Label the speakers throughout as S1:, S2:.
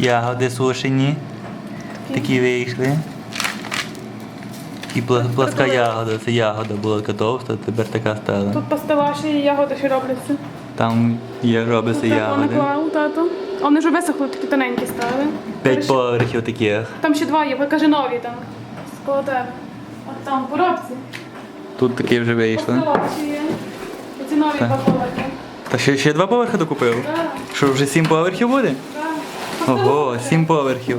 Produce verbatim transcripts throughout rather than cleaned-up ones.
S1: ягоди сушені. Такі вийшли. І пла- пласка ягода, це ягода була така товста, тепер така стала.
S2: Тут пастилаші і ягоди ще робляться.
S1: Там є робиться
S2: Тут
S1: ягоди.
S2: наклав, тато. А вони вже висохли, такі тоненькі стали.
S1: П'ять поверхів таких.
S2: Там ще два є, ви каже нові там. Коло тебе. От там, в коробці.
S1: Тут такі вже вийшли.
S2: Пастилаші є. Оці нові
S1: Так.
S2: два поверхи.
S1: Та ще, ще два поверхи докупив?
S2: Так,
S1: Що, вже сім поверхів буде?
S2: так.
S1: Ого, сім поверхів.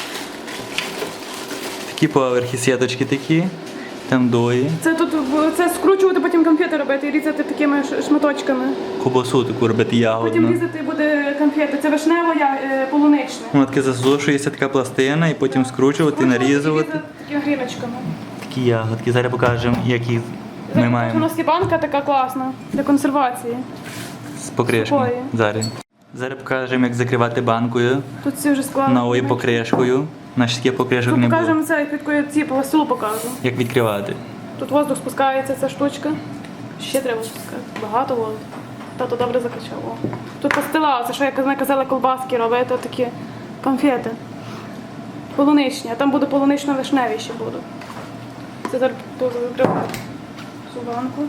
S1: Такі поверхи, сіточки такі. Там дої.
S2: Це тут це скручувати, потім конфети робити і різати такими ш- шматочками.
S1: Кубасу таку робити
S2: Потім
S1: ягодну.
S2: різати буде конфети. Це вишнево, я, е, полуничне.
S1: Воно таке засушується, така пластина, і потім скручувати, нарізувати.
S2: Різати такими гріночками.
S1: Такі ягодки. Зараз покажемо, які ми
S2: У
S1: маємо
S2: нас є банка така класна для консервації.
S1: з покришкою.
S2: Такої.
S1: Зараз. Зараз покажемо, як закривати банкою
S2: Тут всі вже складно.
S1: новою покришкою. Наші таких покришок
S2: Тут
S1: не було.
S2: покажемо це, як відкою ці по столу покажу.
S1: Як відкривати.
S2: Тут воздух спускається, ця штучка. Ще треба спускати. Багато воздуху. Тато добре закачав. О. Тут пастила, це що як ми казали, колбаски робити, такі конфети. Полуничні, а там буде полунично-вишневі ще будуть. Це зараз тут закривати цю банку.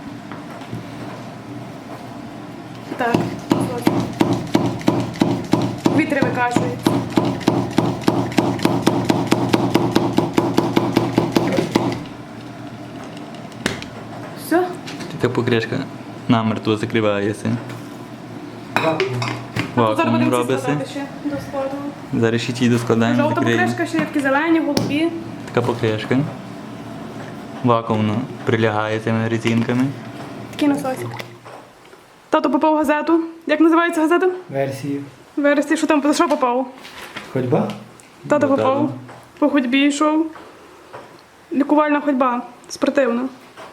S2: Так, ось. Вітри викачують. Все?
S1: Така покришка намертво закривається.
S2: Зараз
S1: Вакуум
S2: будемо ці
S1: робиться.
S2: складати ще до складу.
S1: Зараз ще ті доскладаємо,
S2: Жовта
S1: закриємо.
S2: покришка, ще є такі зелені, голубі.
S1: Така покришка. Вакуумно прилягає цими резинками.
S2: Такий насосик. Тато попав в газету. Як називається газета?
S3: Версії.
S2: Вересні, що там, за що попав?
S3: Ходьба?
S2: Тато
S1: Бо
S2: попав.
S1: тато.
S2: По ходьбі йшов. Лікувальна ходьба. Спортивна.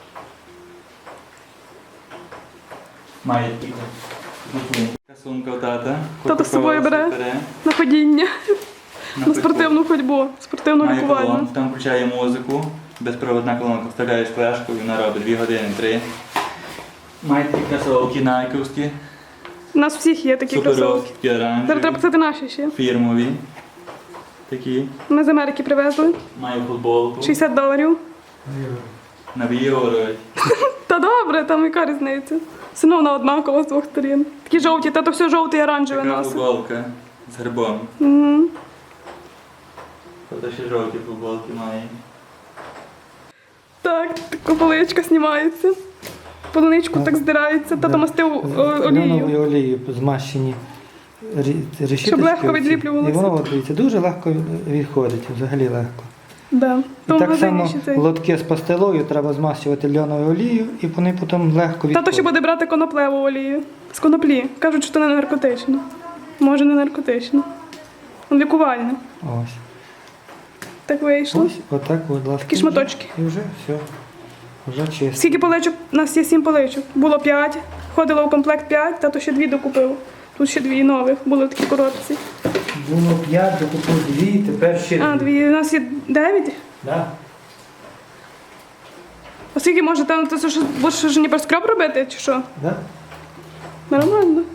S1: Має такі. Така сумка у тата.
S2: Тато з собою бере на ходіння. На спортивну ходьбу. Спортивну
S1: Має
S2: лікувальну.
S1: колонку, там включає музику. Безпроводна колонка, вставляєш флешку і вона робить дві години, три. Має такі кросовки найковські.
S2: У нас всіх є такі кросовки.
S1: Суперовські, такі
S2: Зараз треба
S1: оранжеві.
S2: писати наші ще.
S1: Фірмові. Такі.
S2: Ми з Америки привезли.
S1: Має футболку.
S2: шістдесят доларів.
S1: На євро.
S2: Та добре, там яка різниця. Все одно однаково з двох сторін. Такі жовті, та то все жовте і оранжеве
S1: Така
S2: носить.
S1: футболка з гербом.
S2: Угу.
S1: Тобто ще жовті футболки має.
S2: Так, така поличка знімається. Полуничку так здирається, тато мастив о- олією.
S3: Олією олією змащені рі- решіточки.
S2: Щоб легко
S3: оці.
S2: відліплювалося.
S3: І воно, от, дивіться, дуже легко відходить, взагалі легко.
S2: Да.
S3: І
S2: Тому
S3: так
S2: магазині
S3: само
S2: ще цей.
S3: лотки з пастилою треба змащувати льоновою олією, і вони потім легко відходять.
S2: Тато ще буде брати коноплеву олію. З коноплі. Кажуть, що це не наркотично. Може, не наркотично. Лікувальне.
S3: Ось.
S2: Так вийшло.
S3: Ось, отак, будь ласка.
S2: Такі шматочки.
S3: І вже все. Вже чисто.
S2: Скільки поличок? У нас є сім поличок. Було п'ять. Входило в комплект п'ять, тато ще дві докупив. Тут ще дві нових були в такій коробці.
S3: Було п'ять, докупив дві, тепер ще
S2: А, дві. У нас є дев'ять.
S3: Да.
S2: А скільки може там, ти що, будеш ж ніби скроб робити, чи що?
S3: Да?
S2: Нормально.